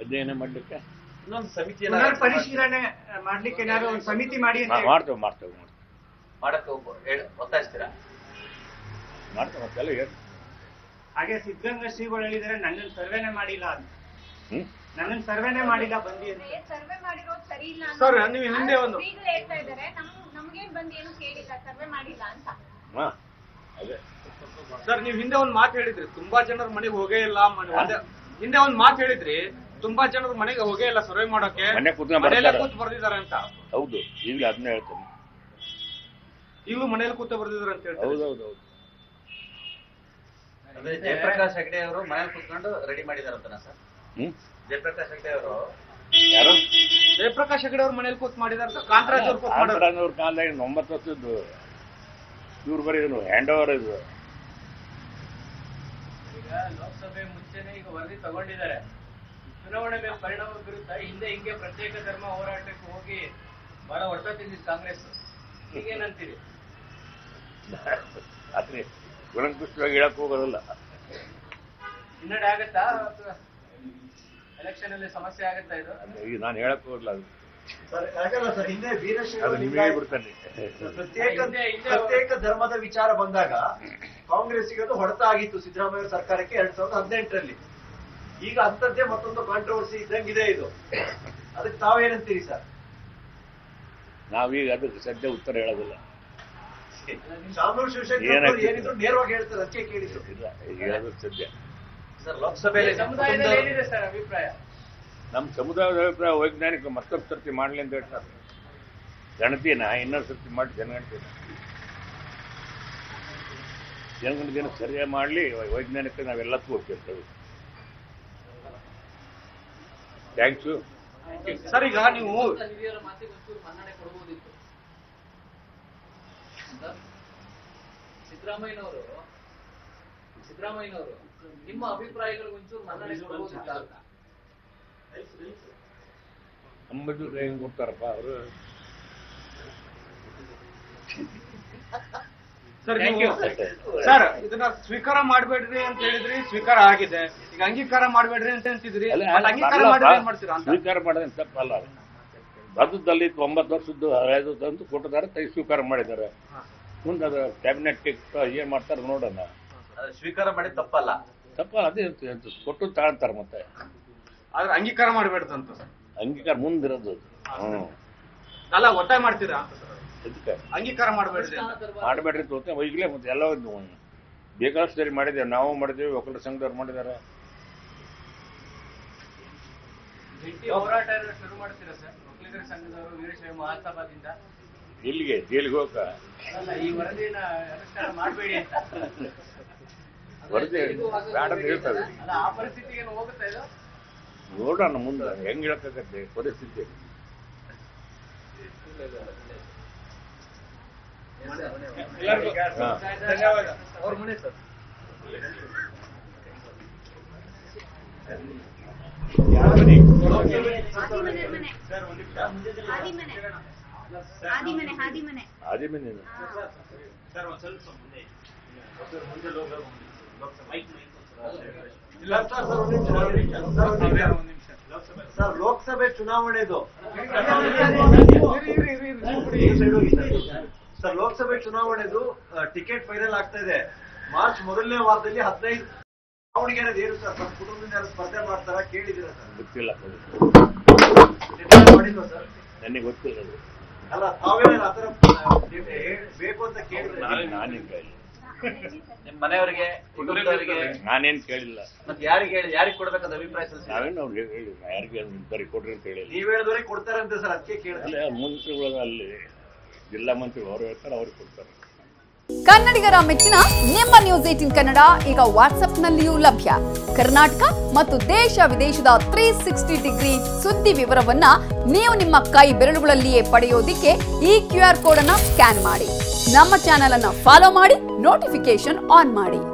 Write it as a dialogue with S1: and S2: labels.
S1: ಅಧ್ಯಯನ ಮಾಡ್ಲಿಕ್ಕೆ
S2: ಇನ್ನೊಂದು ಸಮಿತಿ
S3: ಪರಿಶೀಲನೆ ಮಾಡ್ಲಿಕ್ಕೆ ಏನಾದ್ರು ಒಂದು ಸಮಿತಿ ಮಾಡಿ
S1: ಮಾಡ್ತೇವೆ
S2: ಮಾಡಕ್ಕೆ ಒತ್ತಾಯಿಸ್ತೀರಾ?
S1: ಮಾಡ್ತೇವೆ ಮತ್ತೆಲ್ಲ ಹೇಳಿ.
S3: ಹಾಗೆ ಸಿದ್ಧಗಂಗಾ ಶ್ರೀಗಳು ಹೇಳಿದರೆ ನನ್ನನ್ನು ಸರ್ವೇನೆ ಮಾಡಿಲ್ಲ ಅಂತ. ನನ್ನನ್ನು ಸರ್ವೇನೆ ಮಾಡಿಲ್ಲ ಬಂದಿ ಅಂತ.
S4: ಸರ್ವೆ ಮಾಡಿರೋದು ಸರಿ ಇಲ್ಲ
S3: ಸರ್ ನೀವು ಹಿಂದೆ ಒಂದು
S4: ಹೇಳ್ತಾ ಇದ್ದಾರೆ, ನಮ್ಗೇನ್ ಬಂದು ಏನು ಕೇಳಿಲ್ಲ, ಸರ್ವೆ ಮಾಡಿಲ್ಲ ಅಂತ.
S1: ಅದೇ
S3: ಸರ್ ನೀವು ಹಿಂದೆ ಒಂದು ಮಾತು ಹೇಳಿದ್ರಿ, ತುಂಬಾ ಜನರ ಮನೆಗೆ ಹೋಗೇ ಇಲ್ಲ. ಹಿಂದೆ ಒಂದು ಮಾತು ಹೇಳಿದ್ರಿ, ತುಂಬಾ ಜನರ ಮನೆಗೆ ಹೋಗೇ ಇಲ್ಲ ಸರ್ವೆ ಮಾಡೋಕೆ,
S1: ಮನೆ ಕೂತ್
S3: ಬರ್ದಿದ್ದಾರೆ ಅಂತ.
S1: ಹೌದು, ಈಗಲೂ ಅದನ್ನ ಹೇಳ್ತೇನೆ.
S3: ಈಗಲೂ ಮನೇಲಿ ಕೂತ ಬರ್ದಿದ್ದಾರೆ ಅಂತ ಹೇಳ್ತಾರೆ.
S1: ಹೌದೌದು.
S2: ಅಂದ್ರೆ ಜಯಪ್ರಕಾಶ್ ಹೆಗಡೆ ಅವರು ಮನೇಲಿ ಕೂತ್ಕೊಂಡು ರೆಡಿ ಮಾಡಿದಾರಂತನಾ ಸರ್? ಜಯಪ್ರಕಾಶ್ ಹೆಗಡೆ ಅವರು
S1: ಯಾರು?
S3: ಜಯಪ್ರಕಾಶ್ ಹೆಗಡೆ ಅವ್ರ ಮನೇಲಿ ಕೂತ್ ಮಾಡಿದಾರೆ ಸರ್. ಕಾಂತರಾಜ್
S1: ಅವ್ರ ಕಾಲದಾಗ 9 ವರ್ಷದ್ದು ಇವ್ರು ಬರೀದ್ರು ಹ್ಯಾಂಡ್ ಓವರ್ ಇದು.
S5: ಈಗ ಲೋಕಸಭೆ ಮುಂಚೆನೆ ಈಗ ವರದಿ ತಗೊಂಡಿದ್ದಾರೆ. ಚುನಾವಣೆ ಮೇಲೆ ಪರಿಣಾಮ ಬೀರುತ್ತಾ? ಹಿಂದೆ ಹಿಂಗೆ ಪ್ರತ್ಯೇಕ ಧರ್ಮ ಹೋರಾಟಕ್ಕೆ ಹೋಗಿ ಬಹಳ ಹೊಡೆತ ತಿಂದಿದ್ದು ಕಾಂಗ್ರೆಸ್. ಈಗೇನಂತೀರಿ?
S1: ಅದೇ ಗುಣಕೃಷ್ಣವಾಗಿ ಹೇಳಕ್ ಹೋಗೋದಿಲ್ಲ.
S5: ಹಿನ್ನಡೆ ಆಗತ್ತಾ? ಎಲೆಕ್ಷನ್ ಅಲ್ಲಿ ಸಮಸ್ಯೆ ಆಗತ್ತಾ ಇದು?
S1: ಈಗ ನಾನು ಹೇಳಕ್ ಹೋಗಲ್ಲ, ಅದು
S6: ಹಿಂದೆ
S1: ಬಿಡ್ತಾನೆ.
S6: ಪ್ರತ್ಯೇಕ ಧರ್ಮದ ವಿಚಾರ ಬಂದಾಗ ಕಾಂಗ್ರೆಸ್ಗೆ ಅದು ಹೊಡೆತ ಆಗಿತ್ತು ಸಿದ್ದರಾಮಯ್ಯ ಸರ್ಕಾರಕ್ಕೆ 2018ರಲ್ಲಿ. ಈಗ ಅಂತದ್ದೇ ಮತ್ತೊಂದು ಕಾಂಟ್ರವರ್ಸಿ ಇದ್ದಂಗಿದೆ ಇದು. ಅದಕ್ಕೆ ತಾವೇನಂತೀರಿ ಸರ್?
S1: ನಾವೀಗ ಅದಕ್ಕೆ ಸದ್ಯ ಉತ್ತರ ಹೇಳೋದಿಲ್ಲ.
S6: ಶಾಮನೂರು ಶಿವಶಂಕರ್ ಏನಿದ್ರು ನೇರವಾಗಿ ಹೇಳ್ತಾರೆ, ಅದಕ್ಕೆ ಕೇಳಿದ್ರು.
S1: ಇಲ್ಲ, ಈಗ ಹೇಳೋದು ಸದ್ಯ.
S2: ಸರ್ ಲೋಕಸಭೆಯಲ್ಲಿ
S5: ಸಮುದಾಯದಲ್ಲಿ ಏನಿದೆ ಸರ್ ಅಭಿಪ್ರಾಯ?
S1: ನಮ್ಮ ಸಮುದಾಯದ ಅಭಿಪ್ರಾಯ ವೈಜ್ಞಾನಿಕ ಮತ್ತೊಂದು ಸರ್ತಿ ಮಾಡಲಿ ಅಂತ ಹೇಳ್ತಾರೆ. ಗಣತಿನ ಇನ್ನೊಂದು ಸರ್ತಿ ಮಾಡಿ ಜನಗಣತಿನ ಸರಿಯಾಗಿ ಮಾಡಲಿ, ವೈಜ್ಞಾನಿಕ ನಾವೆಲ್ಲಕ್ಕೂ ಒಪ್ಪಿರ್ತೇವೆ. Thanks
S3: sir. ಈಗ ನೀವು
S5: ಹಿರಿಯರ ಮಾತಿಗೆ ಒಂಚೂರು ಮನ್ನಣೆ ಕೊಡಬಹುದಿತ್ತು. ಸಿದ್ದರಾಮಯ್ಯನವರು ನಿಮ್ಮ ಅಭಿಪ್ರಾಯಗಳಿಗೆ ಒಂಚೂರು ಮನ್ನಣೆ ಕೊಡಬಹುದಿತ್ತು ಅಂತ.
S1: ಅಂಬದು ಹೆಂಗ್ ಕೊಡ್ತಾರಪ್ಪ ಅವರು.
S3: ಸರ್ ಇದನ್ನ ಸ್ವೀಕಾರ ಮಾಡ್ಬೇಡ್ರಿ ಅಂತ ಹೇಳಿದ್ರಿ, ಸ್ವೀಕಾರ ಆಗಿದೆ. ಈಗ ಅಂಗೀಕಾರ ಮಾಡ್ಬೇಡ್ರಿ ಅಂತ ಅಂತಿದ್ರಿ, ಅಂಗೀಕಾರ ಮಾಡ್ತೀರಾ?
S1: ಸ್ವೀಕಾರ ಮಾಡೋದೇನು ತಪ್ಪಲ್ಲ. ಬದುದಲ್ಲಿ 9 ವರ್ಷದ್ದು ಹಳೆಯದು ತಂದು ಕೊಟ್ಟಿದ್ದಾರೆ, ಸ್ವೀಕಾರ ಮಾಡಿದ್ದಾರೆ. ಮುಂದೆ ಅದು ಕ್ಯಾಬಿನೆಟ್ ಏನ್ ಮಾಡ್ತಾರೆ ನೋಡೋಣ.
S2: ಸ್ವೀಕಾರ ಮಾಡಿ ತಪ್ಪಲ್ಲ.
S1: ಅದೇ ಕೊಟ್ಟು ತಗೊಂತಾರೆ. ಮತ್ತೆ
S3: ಆದ್ರೆ ಅಂಗೀಕಾರ ಮಾಡ್ಬೇಡ್ದು ಅಂತ.
S1: ಅಂಗೀಕಾರ ಮುಂದಿರೋದು
S3: ಅಲ್ಲ, ಒತ್ತಾಯ ಮಾಡ್ತೀರಾ
S1: ಅದಕ್ಕೆ
S3: ಅಂಗೀಕಾರ ಮಾಡ್ಬೇಡ್ರಿ
S1: ತೋತೆ ಈಗಲೇ. ಮತ್ತೆ ಎಲ್ಲ ಬೇಕಾದಷ್ಟು ಸರಿ ಮಾಡಿದ್ದೇವೆ, ನಾವು ಮಾಡಿದ್ದೇವೆ, ಒಕ್ಕಲಿಗರ ಸಂಘದವ್ರು ಮಾಡಿದ್ದಾರೆ.
S5: ಹೋರಾಟ ಶುರು ಮಾಡ್ತೀರಾ ಸರ್ ಒಕ್ಕಲಿಗರ ಸಂಘದವರು ವೀರಶೈವ ಮಹಾಸಭಾದಿಂದ?
S1: ಇಲ್ಲಿಗೆ ಜೈಲಿಗೆ ಹೋಗ
S5: ಈ ವರದಿನ ಅನುಷ್ಠಾನ ಮಾಡಬೇಡಿ ಅಂತ
S1: ವರದಿ ಬೇಡ ಹೇಳ್ತಾರೆ.
S5: ಅಲ್ಲ, ಆ ಪರಿಸ್ಥಿತಿಗೆ ಹೋಗುತ್ತಾ ಇದು?
S1: ನೋಡೋಣ ಮುಂದೆ ಹೆಂಗ್ ಹೇಳಕ್ಕಾಗತ್ತೆ ಪರಿಸ್ಥಿತಿ.
S3: ಧನ್ಯವಾದ. ಅವ್ರ ಮನೆ ಸರ್.
S1: ಆದಿಮನೆ
S6: ಸರ್ ಲೋಕಸಭೆ ಚುನಾವಣೆದು ಸರ್ ಲೋಕಸಭೆ ಚುನಾವಣೆದು ಟಿಕೆಟ್ ಫೈನಲ್ ಆಗ್ತಾ ಇದೆ. ಮಾರ್ಚ್ ಮೊದಲನೇ ವಾರದಲ್ಲಿ 15 ಚುನಾವಣೆಗೆ ಏನು ಸರ್? ನಮ್ಮ ಕುಟುಂಬದಿಂದ ಯಾರು ಸ್ಪರ್ಧೆ ಮಾಡ್ತಾರ ಕೇಳಿದಿರ ಸರ್?
S1: ಗೊತ್ತಿಲ್ಲ,
S6: ಮಾಡಿಲ್ವಾ ಸರ್?
S1: ನನಗೆ ಗೊತ್ತಿಲ್ಲ.
S6: ಅಲ್ಲ, ತಾವೇನಾದ್ರು ಆತರ ಬೇಕು ಅಂತ ಕೇಳಿದ್ರೆ?
S1: ನಾನೇನ್ ಕೇಳಿಲ್ಲ.
S2: ನಿಮ್ ಮನೆಯವರಿಗೆ, ಕುಟುಂಬದವರಿಗೆ
S1: ನಾನೇನ್ ಕೇಳಿಲ್ಲ.
S2: ಮತ್ತೆ ಯಾರಿಗೆ ಕೊಡ್ಬೇಕಂತ ಅಭಿಪ್ರಾಯ ಸಲ್ಲಿಸಿ?
S1: ನಾವೇನು ಅವ್ರಿಗೆ ಹೇಳಿ ಯಾರಿಗೆ ಬರೀ ಕೊಡ್ರಿ ಅಂತ ಹೇಳಿಲ್ಲ.
S6: ನೀವ್ ಹೇಳಿದವರಿಗೆ ಕೊಡ್ತಾರಂತೆ ಸರ್, ಅದಕ್ಕೆ ಕೇಳಿದ್ರೆ.
S1: ಮಂತ್ರಿಗಳು ಅಲ್ಲಿ ಜಿಲ್ಲಾ ಮಂತ್ರಿಗಳು ಅವ್ರು ಹೇಳ್ತಾರೆ, ಅವ್ರಿಗೆ ಕೊಡ್ತಾರೆ.
S7: ಕನ್ನಡಿಗರ ಮೆಚ್ಚಿನ ನಿಮ್ಮ ನ್ಯೂಸ್ 18 ಕನ್ನಡ ಈಗ ವಾಟ್ಸ್ಆಪ್ನಲ್ಲಿಯೂ ಲಭ್ಯ. ಕರ್ನಾಟಕ ಮತ್ತು ದೇಶ ವಿದೇಶದ 360 ಡಿಗ್ರಿ ಸುದ್ದಿ ವಿವರವನ್ನ ನೀವು ನಿಮ್ಮ ಕೈ ಬೆರಳುಗಳಲ್ಲಿಯೇ ಪಡೆಯೋದಿಕ್ಕೆ ಈ QR ಕೋಡ್ ಅನ್ನ ಸ್ಕ್ಯಾನ್ ಮಾಡಿ. ನಮ್ಮ ಚಾನೆಲ್ ಅನ್ನ ಫಾಲೋ ಮಾಡಿ, ನೋಟಿಫಿಕೇಶನ್ ಆನ್ ಮಾಡಿ.